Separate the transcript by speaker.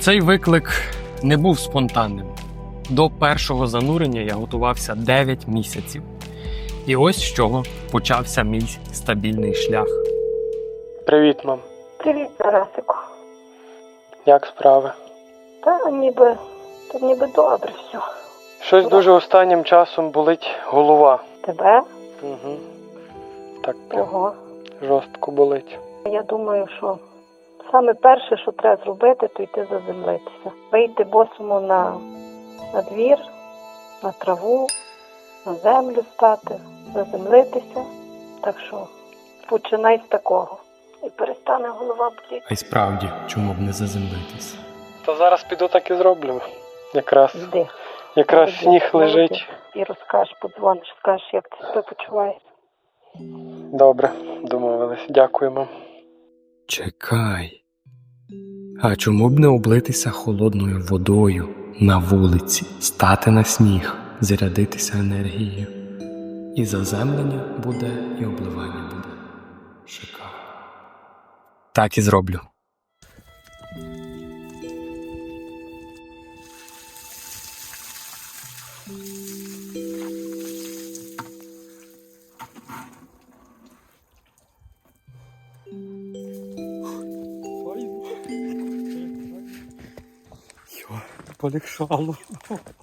Speaker 1: Цей виклик не був спонтанним. До першого занурення я готувався 9 місяців. І ось з чого почався мій стабільний шлях.
Speaker 2: Привіт, мам.
Speaker 3: Привіт, Тарасику.
Speaker 2: Як справи?
Speaker 3: Та ніби добре все.
Speaker 2: Щось дуже останнім часом болить голова.
Speaker 3: Тебе?
Speaker 2: Угу. Так прям
Speaker 3: Ого.
Speaker 2: жорстко болить.
Speaker 3: Я думаю, що саме перше, що треба зробити, то йти заземлитися. Вийти босому на двір, на траву, на землю стати, заземлитися. Так що починай з такого. І перестане голова боліти.
Speaker 1: А й справді, чому б не заземлитись?
Speaker 2: Та зараз піду так і зроблю. Якраз
Speaker 3: Йди.
Speaker 2: сніг
Speaker 3: Молодець.
Speaker 2: лежить.
Speaker 3: І розкажеш, подзвониш, скажеш, як ти себе почуваєш.
Speaker 2: Добре, домовились. Дякую, мам.
Speaker 1: Чекай. А чому б не облитися холодною водою на вулиці, стати на сніг, зарядитися енергією? І заземлення буде, і обливання буде. Шикарно. Так і зроблю.
Speaker 2: Полегшало.